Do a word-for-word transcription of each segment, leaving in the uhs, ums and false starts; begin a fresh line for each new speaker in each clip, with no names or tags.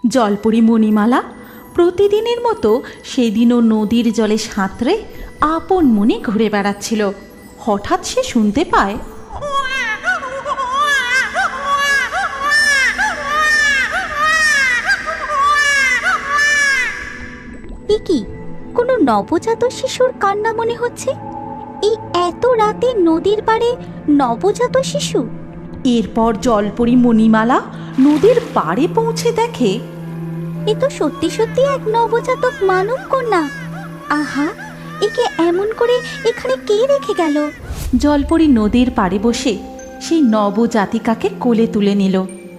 জলপরি মণিমালা প্রতিদিনের মতো সেদিনও নদীর জলে সাঁতরে আপন মনে ঘুরে বেড়াচ্ছিল। হঠাৎ সে শুনতে পায়,
কি কোনো নবজাত শিশুর কান্না মনে হচ্ছে। এই এত রাতে নদীর পাড়ে নবজাত শিশু।
এরপর জলপরি মণিমালা নদীর পাড়ে পৌঁছে দেখে
এ তো সত্যি সত্যি এক নবজাতক মানব কন্যা। আহা, একে এমন করে এখানে কে রেখে গেল?
জলপরি নদীর পাড়ে বসে সেই নবজাতিকাকে কোলে তুলে নিল,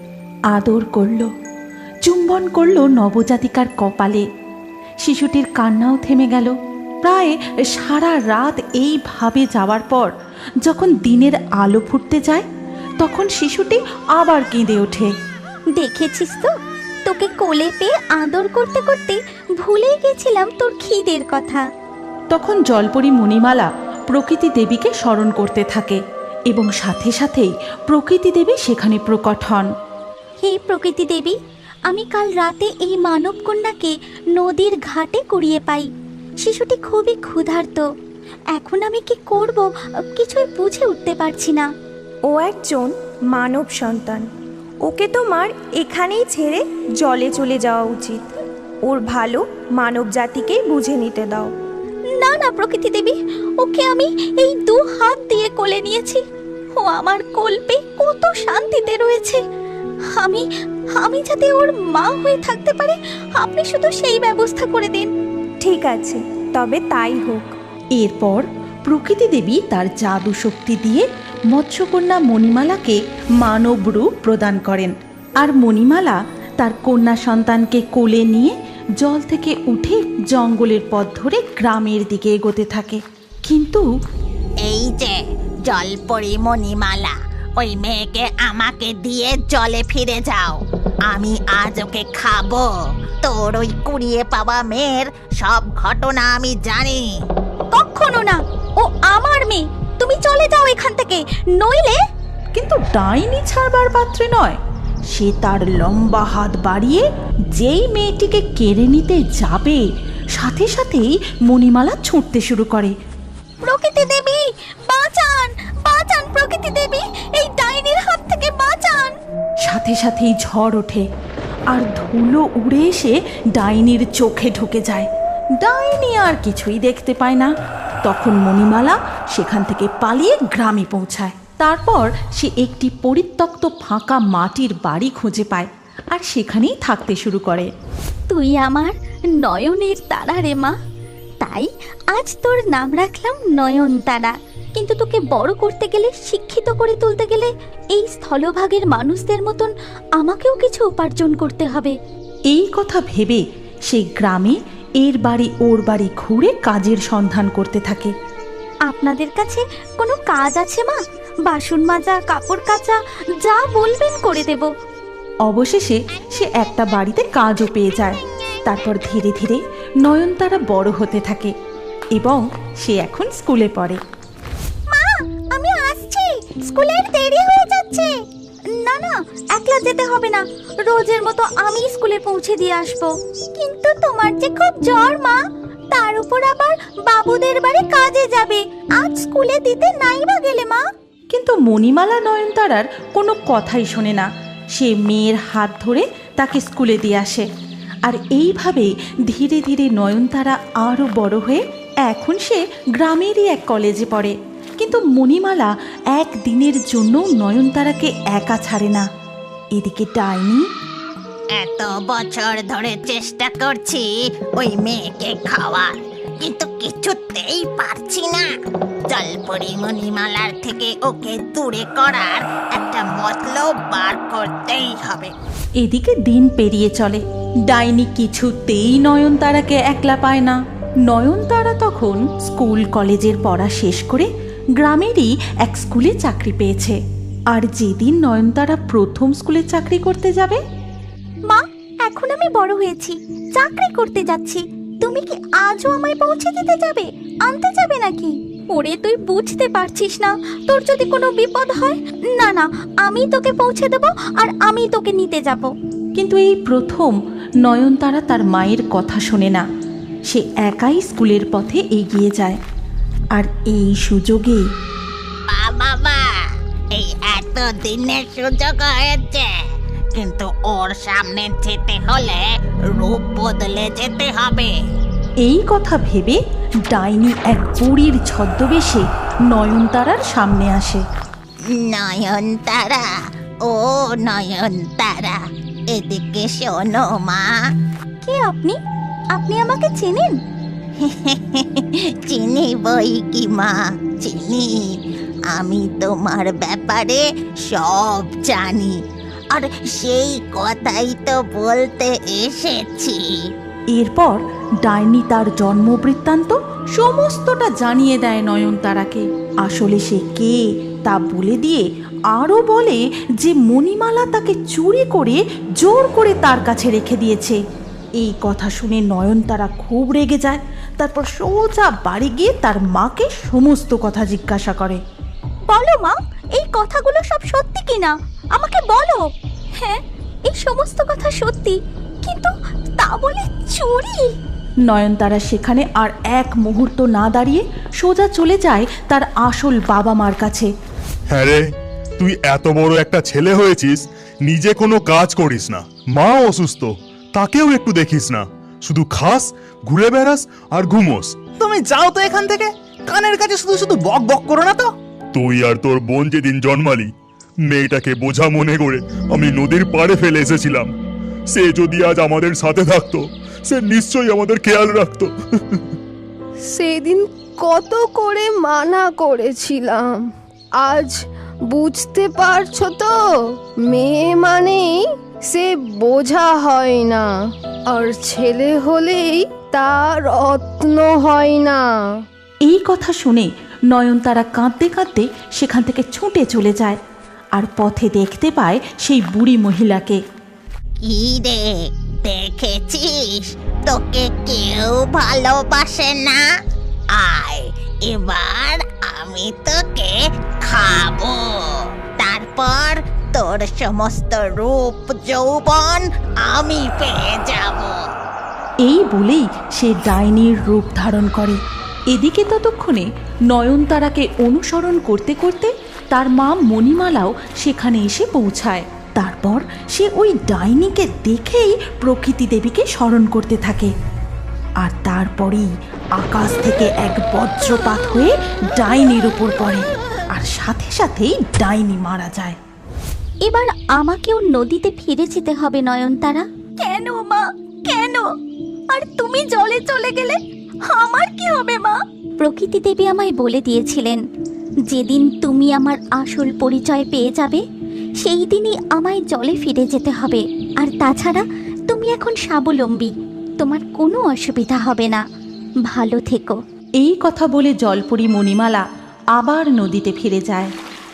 আদর করল, চুম্বন করল নবজাতিকার কপালে। শিশুটির কান্নাও থেমে গেল। প্রায় সারা রাত এইভাবে যাওয়ার পর যখন দিনের আলো ফুটতে যায়, তখন শিশুটি আবার কেঁদে ওঠে।
দেখেছিস তো, তোকে কোলে পেয়ে আদর করতে করতে ভুলেই গেছিলাম তোর খিদের কথা।
তখন জলপরি মণিমালা প্রকৃতি দেবীকে স্মরণ করতে থাকে এবং সাথে সাথেই প্রকৃতি দেবী সেখানে প্রকট হন।
হে প্রকৃতি দেবী, আমি কাল রাতে এই মানব কন্যাকে নদীর ঘাটে কুড়িয়ে পাই। শিশুটি খুবই ক্ষুধার্ত। এখন আমি কি করব কিছুই বুঝে উঠতে পারছি না।
ও একজন মানব সন্তান, ওকে তোমার এখানেই ছেড়ে জলে চলে যাওয়া উচিত। ওর ভালো মানব জাতিকেই বুঝে নিতে দাও।
না না প্রকৃতি দেবী, ওকে আমি এই দু হাত দিয়ে কোলে নিয়েছি। ও আমার কোল পেয়ে কত শান্তিতে রয়েছে। আমি আমি যাতে ওর মা হয়ে থাকতে পারে, আপনি শুধু সেই ব্যবস্থা করে দিন।
ঠিক আছে, তবে তাই হোক।
এরপর প্রকৃতি দেবী তার জাদু শক্তি দিয়ে মৎস্যকন্যা মণিমালাকে মানব রূপ প্রদান করেন। আর মণিমালা তার কন্যা সন্তানকে কোলে নিয়ে জল থেকে উঠে জঙ্গলের পথ ধরে গ্রামের দিকে এগোতে থাকে। কিন্তু
এই যে জলপরি মণিমালা, ওই মেয়েকে আমাকে দিয়ে জলে ফিরে যাও। আমি আজ ওকে খাবো। তোর ওই কুড়িয়ে পাওয়া মেয়ের সব ঘটনা আমি জানি।
কখনো না, ও আমার মেয়ে। তুমি চলে যাও এখান থেকে, নইলে।
কিন্তু ডাইনি ছাড়বার পাত্রে নয়। সে তার লম্বা হাত বাড়িয়ে যেই মেয়েটিকে কেড়ে নিতে যাবে, সাথে সাথেই মণিমালা ছুটতে শুরু করে।
প্রকৃতি দেবী বাঁচান, বাঁচান প্রকৃতি দেবী, এই ডাইনির হাত থেকে বাঁচান।
সাথে সাথেই ঝড় ওঠে আর ধুলো উড়ে এসে ডাইনির চোখে ঢুকে যায়। ডাইনি আর কিছুই দেখতে পায় না। তখন মণিমালা সেখান থেকে পালিয়ে গ্রামে পৌঁছায়। তারপর সে একটি পরিত্যক্ত ফাঁকা মাটির বাড়ি খুঁজে পায় আর সেখানেই থাকতে শুরু করে।
তুই আমার নয়নের তারা রে মা, তাই আজ তোর নাম রাখলাম নয়নতারা। কিন্তু তোকে বড় করতে গেলে, শিক্ষিত করে তুলতে গেলে এই স্থলভাগের মানুষদের মতন আমাকেও কিছু উপার্জন করতে হবে।
এই কথা ভেবে সে গ্রামে এর বাড়ি ওর বাড়ি ঘুরে কাজের সন্ধান করতে থাকে।
আপনাদের কাছে কোনো কাজ আছে মা? বাসন মাজা, কাপড় কাচা, যা বলবেন করে দেব।
অবশেষে সে একটা বাড়িতে কাজও পেয়ে যায়। তারপর ধীরে ধীরে নয়নতারা বড় হতে থাকে এবং সে এখন স্কুলে পড়ে।
মা, আমি আসছি, স্কুলের দেরি হয়ে যাচ্ছে। না না, একলা যেতে হবে না, রোজের মতো আমি স্কুলে পৌঁছে দিয়ে আসবো। কিন্তু তোমার যে খুব জ্বর মা, তার উপর আবার বাবুদের বাড়ি কাজে যাবে, আজ স্কুলে দিতে নাই বা গেলে মা।
কিন্তু মণিমালা নয়নতারার কোনো কথাই শোনে না। সে মেয়ের হাত ধরে তাকে স্কুলে দিয়ে আসে। আর এইভাবে ধীরে ধীরে নয়নতারা আরও বড় হয়ে এখন সে গ্রামেরই এক কলেজে পড়ে। কিন্তু মণিমালা একদিনের জন্য নয়নতারাকে একা ছাড়ে না। এদিকে ডাইনি
এত বছর ধরে চেষ্টা করছি ওই মেয়েকে খাওয়ার, কিন্তু কিছুতেই পারছি না। জলপরি মণিমালার থেকে ওকে দূরে করার একটা মতলব বার করতেই হবে।
এদিকে দিন পেরিয়ে চলে। ডাইনি কিছুতেই নয়নতারাকে একলা পায় না। নয়নতারা তখন স্কুল কলেজের পড়া শেষ করে গ্রামেরই এক স্কুলে চাকরি পেয়েছে। আর যেদিন নয়নতারা প্রথম স্কুলে চাকরি করতে যাবে,
মা, এখন আমি বড় হয়েছি, চাকরি করতে যাচ্ছি। তুমি কি আজও আমায় পৌঁছে দিতে যাবে, আনতে যাবে নাকি? ওরে তুই বুঝতে পারছিস না, তোর যদি কোনো বিপদ হয়? না না, আমি তোকে পৌঁছে দেব আর আমি তোকে নিতে যাব।
কিন্তু এই প্রথম নয়নতারা তার মায়ের কথা শোনে না। সে একাই স্কুলের পথে এগিয়ে যায়। আর এই সুযোগে
বাবা, এই এত দিনের সুযোগ হয়েছে, কিন্তু ওর সামনে যেতে হলে রূপ বদলে যেতে হবে।
এই কথা ভেবে ডাইনি এক বুড়ির ছদ্মবেশে নয়নতারার সামনে আসে।
নয়নতারা, ও নয়নতারা, এদিকে শোনো মা।
কে আপনি? আপনি আমাকে চেনেন?
চিনি বই কি মা, চিনি। আমি তোমার ব্যাপারে সব জানি, আর সেই কথাই তো বলতে এসেছি।
এরপর ডাইনি তার জন্ম বৃত্তান্ত সমস্তটা জানিয়ে দেয় নয়নতারাকে। আসলে সে কে তা বলে দিয়ে আরও বলে যে মণিমালা তাকে চুরি করে জোর করে তার কাছে রেখে দিয়েছে। এই কথা শুনে নয়নতারা খুব রেগে যায়। তারপর সোজা বাড়ি গিয়ে তার মাকে সমস্ত কথা জিজ্ঞাসা করে।
বলো মা, এই কথাগুলো সব সত্যি কিনা আমাকে বলো। হ্যাঁ, এই সমস্ত কথা সত্যি, কিন্তু তা বলে চুরি?
নয়নতারা সেখানে আর এক মুহূর্ত না দাঁড়িয়ে সোজা চলে যায় তার আসল বাবা মার কাছে।
হ্যাঁ রে, তুই এত বড় একটা ছেলে হয়েছিস, নিজে কোনো কাজ করিস না, মা অসুস্থ তাকেও একটু দেখিস না, শুধু খাস, ঘুরে বেড়াস আর ঘুমোস।
তুমি যাও তো এখান থেকে, কানের কাছে শুধু শুধু বক বক করো না তো।
তুই আর তোর বোন যেদিন জন্মালি, মেয়েটাকে বোঝা মনে করে আমি নদীর পাড়ে ফেলে এসেছিলাম। সে যদি আজ আমাদের সাথে থাকতো, সে নিশ্চয়ই আমাদের খেয়াল রাখতো।
সেদিন কত করে মানা করেছিলাম, আজ বুঝতে পারছো তো? মেয়ে মানেই সে বোঝা হয় না, আর ছেলে হলেই তার রত্ন হয় না।
এই কথা শুনে নয়নতারা কাঁদতে কাঁদতে সেখান থেকে ছুটে চলে যায় আর পথে দেখতে পায় সেই বুড়ি মহিলাকে।
কি রে, দেখেছিস তোকে কেউ ভালোবাসে না? আয়, এবার আমি তোকে খাবো, তারপর তোর সমস্ত রূপ যৌবন আমি পেয়ে যাব।
এই বলেই সে ডাইনির রূপ ধারণ করে। এদিকে ততক্ষণে নয়নতারাকে অনুসরণ করতে করতে তার মা মণিমালাও সেখানে এসে পৌঁছায়। তারপর সে ওই ডাইনিকে দেখেই প্রকৃতি দেবীকে স্মরণ করতে থাকে। আর তারপরেই আকাশ থেকে এক বজ্রপাত হয়ে ডাইনির উপর পড়ে, আর সাথে সাথেই ডাইনি মারা যায়।
এবার আমাকেও নদীতে ফিরে যেতে হবে নয়নতারা। কেন মা, কেন? আর তুমি জলে চলে গেলে আমার কি হবে মা? প্রকৃতি দেবী আমায় বলে দিয়েছিলেন, যেদিন তুমি আমার আসল পরিচয় পেয়ে যাবে সেই দিনই আমায় জলে ফিরে যেতে হবে। আর তাছাড়া তুমি এখন স্বাবলম্বী, তোমার কোনো অসুবিধা হবে না। ভালো থেকো।
এই কথা বলে জলপরি মণিমালা আবার নদীতে ফিরে যায়।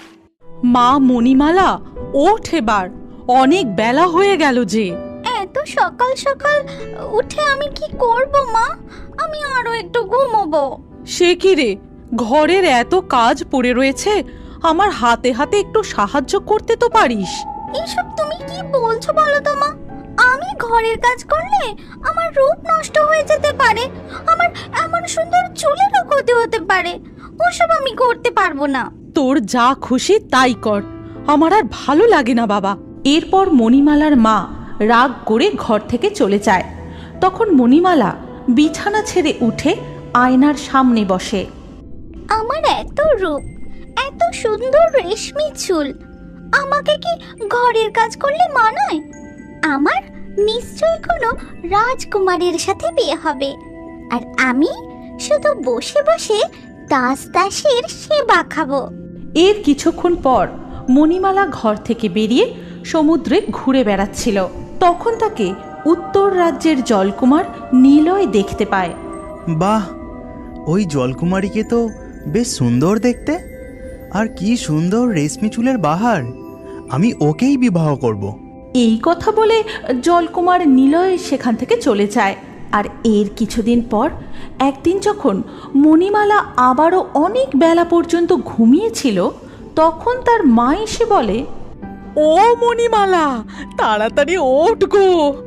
মা মণিমালা, ওঠ এবার, অনেক বেলা হয়ে গেল যে।
এত সকাল সকাল উঠে আমি কি করব মা? আমি আরো একটু ঘুমোবো।
সে কি রে, ঘরের এত কাজ পড়ে রয়েছে, আমার হাতে হাতে একটু সাহায্য করতে তো পারিস।
এইসব তুমি কি বলছো বলো তো মা? আমি ঘরের কাজ করলে আমার রূপ নষ্ট হয়ে যেতে পারে, আমার এমন সুন্দর চুলেরও ক্ষতি হতে পারে। ওসব আমি করতে পারবো না।
তোর যা খুশি তাই কর, আমার আর ভালো লাগে না বাবা। এরপর মণিমালার মা রাগ করে ঘর থেকে চলে যায়। তখন মণিমালা বিছানা ছেড়ে উঠে আয়নার সামনে বসে।
আমার এত রূপ, এত সুন্দর রেশমি চুল, আমাকে কি ঘরের কাজ করলে মানায়? আমার নিশ্চয়ই কোনো রাজকুমারীর সাথে বিয়ে হবে, আর আমি শুধু বসে বসে দাস দাসীর সেবা খাবো।
এর কিছুক্ষণ পর মণিমালা ঘর থেকে বেরিয়ে সমুদ্রে ঘুরে বেড়াচ্ছিল। তখন তাকে উত্তর রাজ্যের জলকুমার নিলয় দেখতে পায়।
বাহ, ওই জলকুমারীকে তো বেশ সুন্দর দেখতে, আর কি সুন্দর রেশমি চুলের বাহার, আমি ওকেই বিবাহ করব।
এই কথা বলে জলকুমার নিলয় সেখান থেকে চলে যায়। আর এর কিছুদিন পর একদিন যখন মণিমালা আবারও অনেক বেলা পর্যন্ত ঘুমিয়েছিল, তখন তার মা এসে বলে, ও মণিমালা, তাড়াতাড়ি ওঠ গো।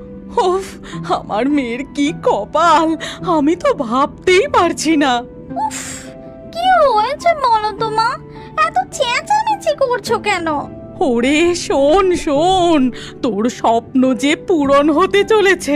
ওফ, আমার মেয়ের কি কপাল, আমি তো ভাবতেই পারছি না।
উফ, কি হয়েছে বলো তো মা? এত চেঁচামেচি করছো কেন?
ওরে শোন শোন, তোর স্বপ্ন যে পূরণ হতে চলেছে।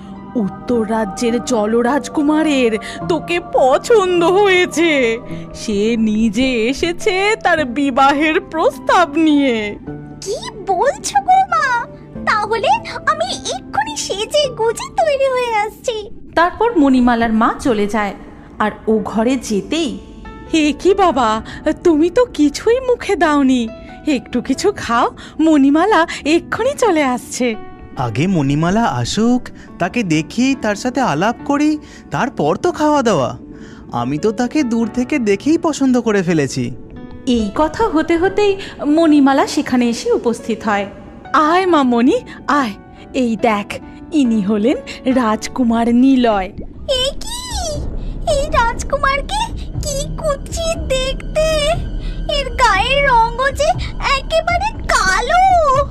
উত্তর রাজ্যের জলরাজকুমারের তোকে পছন্দ হয়েছে। সে নিজে এসেছে তার বিবাহের প্রস্তাব নিয়ে।
কি বলছো গো মা? তাহলে আমি এক্ষুনি সেজে গুজে তৈরি হয়ে আসছি।
তারপর মণিমালার মা চলে যায়, আর ও ঘরে যেতেই, হে কি বাবা, তুমি তো কিছুই মুখে দাওনি, একটু কিছু খাও, মণিমালা এক্ষুনি চলে আসছে।
আগে মণিমালা আসুক, তাকে দেখি, তার সাথে আলাপ করি, তারপর তো খাওয়া দাওয়া। আমি তো তাকে দূর থেকে দেখেই পছন্দ করে ফেলেছি।
এই কথা হতে হতেই মণিমালা সেখানে এসে উপস্থিত হয়। আয় মা মণি, আয়, এই দেখ, ইনি হলেন রাজকুমার নিলয়।
এই কি, এই রাজকুমারকে কি কুৎসিত দেখতে! এর গায়ের রঙও যে একেবারে কালো।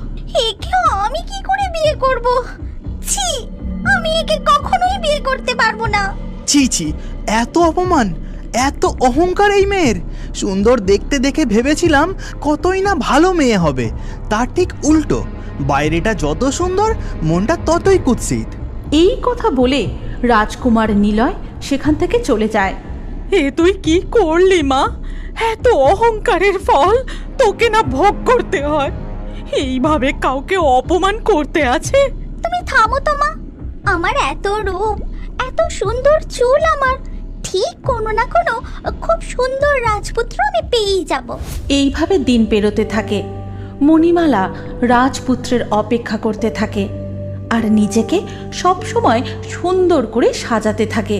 একে আমি কি করে বিয়ে করব? ছি, আমি একে কখনোই বিয়ে করতে পারবো না।
ছি ছি, এত অপমান, এত অহংকার এই মেয়ের। সুন্দর দেখতে দেখে ভেবেছিলাম কতই না ভালো মেয়ে হবে, তার ঠিক উল্টো। বাইরেটা যত সুন্দর, মনটা ততই কুৎসিত।
এই কথা বলে রাজকুমার নিলয় সেখান থেকে চলে যায়। এ তুই কি করলি মা? এত অহংকারের ফল তোকে না ভোগ করতে হয়? এইভাবে কাউকে অপমান করতে আছে?
তুমি থামো তো মা। আমার এত রূপ, এত সুন্দর চুল, আমার ঠিক কোনো না কোনো খুব সুন্দর রাজপুত্র আমি পেয়েই যাব।
এইভাবে দিন পেরোতে থাকে। মণিমালা রাজপুত্রের অপেক্ষা করতে থাকে আর নিজেকে সবসময় সুন্দর করে সাজাতে থাকে।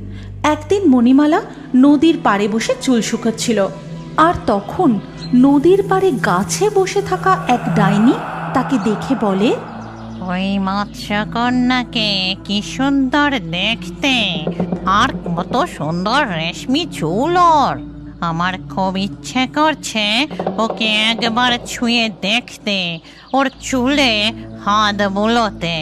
একদিন মণিমালা নদীর পাড়ে বসে চুল শুকাচ্ছিল, আর তখন নদীর পাড়ে গাছে বসে থাকা এক ডাইনি তাকে দেখে বলে,
ওই মৎস্যকন্যাকে কি সুন্দর দেখতে, আর কত সুন্দর রেশমি চুল ওর। আমার খুব ইচ্ছে করছে ওকে একবার ছুঁয়ে দেখতে, ওর চুলে হাত বুলোতে।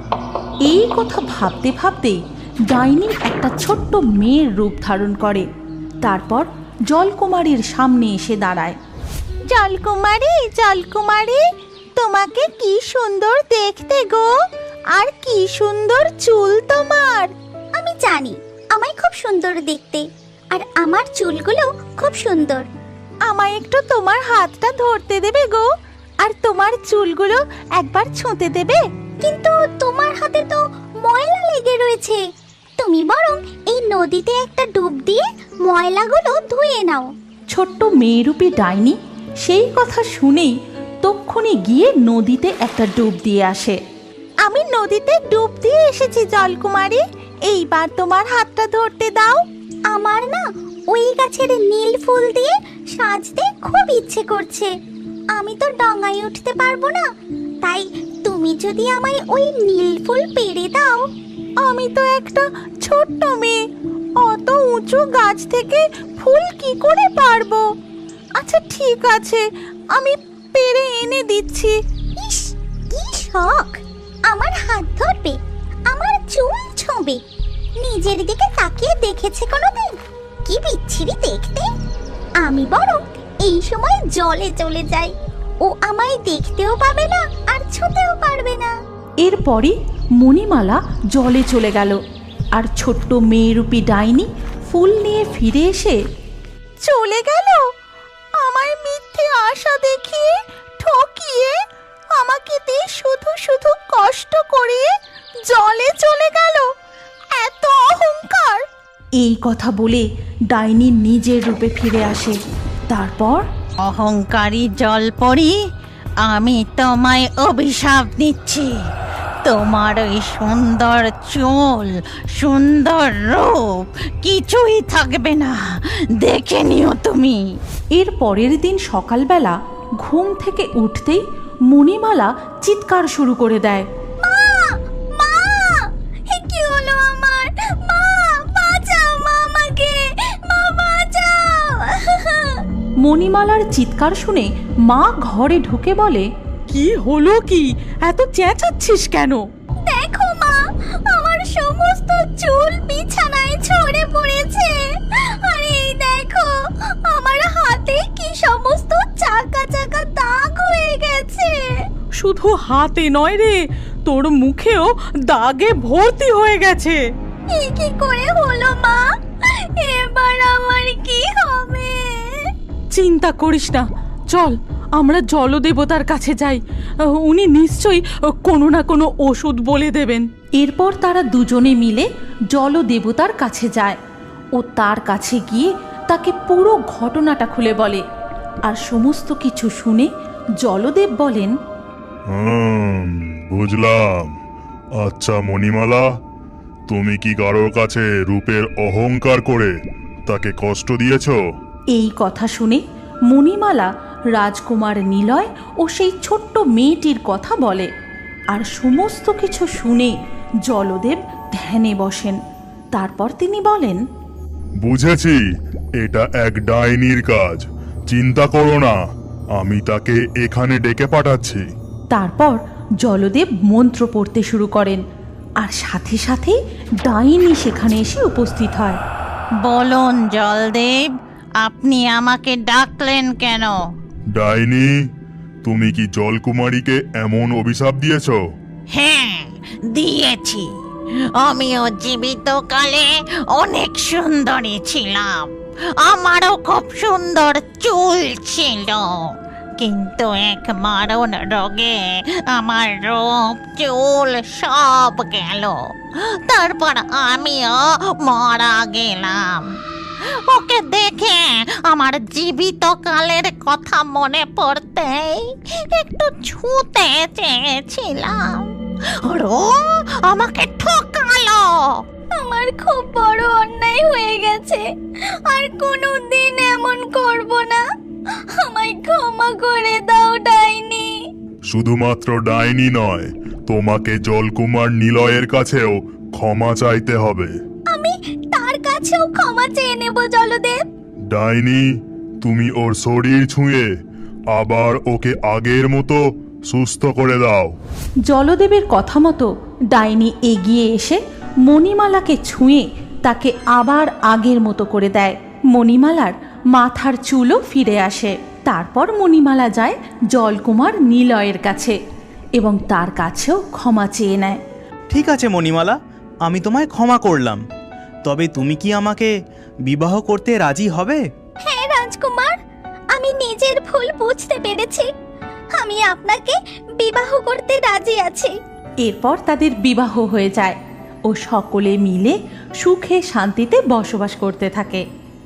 এই কথা ভাবতে ভাবতে ডাইনি একটা ছোট্ট মেয়ের রূপ ধারণ করে। তারপর জলকুমারীর সামনে এসে দাঁড়ায়।
জলকুমারী, জলকুমারী, তোমাকে কি সুন্দর দেখতে গো, আর কি সুন্দর চুল তোমার। আমি জানি আমায় খুব সুন্দর দেখতে, আর আমার চুলগুলো খুব সুন্দর। আমায় একটু তোমার হাতটা ধরতে দেবে গো, আর তোমার চুলগুলো একবার ছুঁতে দেবে? কিন্তু তোমার হাতে তো ময়লা লেগে রয়েছে। তুমি বরং এই নদীতে একটা ডুব দিয়ে ময়লাগুলো ধুয়ে নাও।
ছোট্ট মেয়েরূপী ডাইনি সেই কথা শুনেই তক্ষুনি গিয়ে নদীতে একটা ডুব দিয়ে আসে।
আমি নদীতে ডুব দিয়ে এসেছি জলকুমারী, এইবার তোমার হাতটা ধরতে দাও। আমার না ওই গাছের নীল ফুল দিয়ে সাজতে খুব ইচ্ছে করছে। আমি তো ডাঙায় উঠতে পারবো না, তাই তুমি যদি আমায় ওই নীল ফুল পেড়ে দাও। আমি তো একটা ছোট্ট মেয়ে, অত উঁচু গাছ থেকে ফুল কি করে পারবো? আচ্ছা ঠিক আছে, আমি পেড়ে এনে দিচ্ছি। ইস, কি শখ! আমার হাত ধরবে, আমার চুল ছোঁবে, নিজের দিকে তাকিয়ে দেখেছে কোনোদিন? কি বিচ্ছিরি দেখতে! আমি বরং এই সময় জলে চলে যাই, ও আমায় দেখতেও পাবে না আর ছুঁতেও পারবে না।
এরপরই মণিমালা জলে চলে গেল, আর ছোট্ট মেয়েরূপী ডাইনি ফুল নিয়ে ফিরে এসে
চলে গেল। আমায় মিথ্যে আশা দেখিয়ে, ঠকিয়ে, আমাকে দিয়ে শুধু শুধু কষ্ট করিয়ে জলে চলে গেল। এত অহংকার!
এই কথা বলে ডাইনি নিজের রূপে ফিরে আসে। তারপর,
অহংকারী জলপরি, আমি তোমায় অভিশাপ দিচ্ছি। তোমার ওই সুন্দর চুল, সুন্দর রূপ কিছুই থাকবে না, দেখে নিও তুমি।
এর পরের দিন সকালবেলা ঘুম থেকে উঠতেই মণিমালা চিৎকার শুরু করে দেয়।
মা, মা, এ কি হলো আমার? মা, বাঁচাও মা আমাকে, মা বাঁচাও।
মণিমালার চিৎকার শুনে মা ঘরে ঢুকে বলে, কি হলো কি, এত চেঁচাচ্ছিস কেন?
দেখো মা, আমার সমস্ত চুল বিছানায় ছড়ে পড়েছে। আর এই দেখো, আমার হাতে কি সমস্ত চাকা চাকা দাগ হয়ে গেছে।
শুধু হাতে নয় রে, তোর মুখেও দাগে ভর্তি হয়ে গেছে।
এ কি করে হলো মা? এবার আমার কি হবে?
চিন্তা করিস না, চল আমরা জলদেবতার কাছে যাই। উনি নিশ্চয়ই কোনো না কোনো ওষুধ বলে দেবেন। এরপর তারা দুজনে মিলে জলদেবতার কাছে যায় ও তার কাছে গিয়ে তাকে পুরো ঘটনাটা খুলে বলে। আর সমস্ত কিছু শুনে জলদেব বলেন,
হুম, বুঝলাম। আচ্ছা মণিমালা, তুমি কি কারোর কাছে রূপের অহংকার করে তাকে কষ্ট দিয়েছো?
এই কথা শুনে মণিমালা রাজকুমার নিলয় ও সেই ছোট্ট মেয়েটির কথা বলে। আর সমস্ত কিছু শুনে জলদেব ধ্যানে বসেন। তারপর তিনি বলেন,
বুঝেছি, এটা এক ডাইনির কাজ। চিন্তা করো না, আমি তাকে এখানে ডেকে পাঠাচ্ছি।
তারপর জলদেব মন্ত্র পড়তে শুরু করেন আর সাথে সাথে ডাইনি সেখানে এসে উপস্থিত হয়।
বলুন জলদেব, আপনি আমাকে ডাকলেন কেন?
ডাইনি, তুমি কি জলকুমারীকে এমন অভিশাপ দিয়েছো?
হ্যাঁ, দিয়েছি। আমিও জীবিত কালে অনেক সুন্দরী ছিলাম, আমারও খুব সুন্দর চুল ছিল। কিন্তু এক মারণ রোগে আমার রূপ চুল সব গেল। তারপর আমিও মারা গেলাম। ওকে দেখে আমার জীবিত কালের কথা মনে পড়তেই একটু ছুঁতে চেয়েছিলাম, আর ও আমাকে ঠকালো।
আমার খুব বড় অন্যায় হয়ে গেছে, আর কোনোদিন এমন করব না। আমায় ক্ষমা করে দাও ডাইনি।
শুধুমাত্র ডাইনি নয়, তোমাকে জলকুমার নিলয়ের কাছেও ক্ষমা চাইতে হবে।
আমি তার কাছেও ক্ষমা চেয়ে নেব জলদেব।
ডাইনি, তুমি ওর শরীর ছুঁয়ে আবার ওকে আগের মতো সুস্থ করে দাও।
জলদেবের কথা মতো ডাইনি এগিয়ে এসে মণিমালাকে ছুঁয়ে তাকে আবার আগের মতো করে দেয়। মণিমালার মাথার চুলও ফিরে আসে। তারপর মণিমালা যায় জলকুমার নিলয়ের কাছে এবং তার কাছেও ক্ষমা চেয়ে নেয়।
ঠিক আছে মণিমালা, আমি তোমায় ক্ষমা করলাম। তবে তুমি কি আমাকে বিবাহ করতে রাজি হবে?
হ্যাঁ রাজকুমার, আমি নিজের ভুল বুঝতে পেরেছি। আমি আপনাকে বিবাহ করতে রাজি আছি।
এরপর তাদের বিবাহ হয়ে যায় ও সকলে মিলে সুখে শান্তিতে বসবাস করতে থাকে।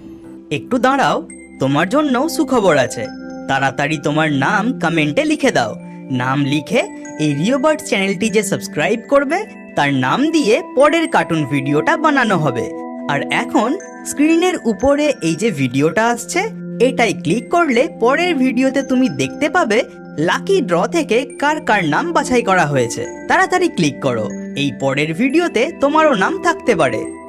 একটু দাঁড়াও, তোমার জন্য সুখবর আছে। তাড়াতাড়ি তোমার নাম কমেন্টে লিখে দাও। নাম লিখে এই রিওবার্ড চ্যানেলটি যে সাবস্ক্রাইব করবে তার নাম দিয়ে পরের কার্টুন ভিডিওটা বানানো হবে। আর এখন স্ক্রিনের উপরে এই যে ভিডিওটা আসছে, এটাই ক্লিক করলে পরের ভিডিওতে তুমি দেখতে পাবে লাকি ড্র থেকে কার কার নাম বাছাই করা হয়েছে। তাড়াতাড়ি ক্লিক করো, এই পরের ভিডিওতে তোমারও নাম থাকতে পারে।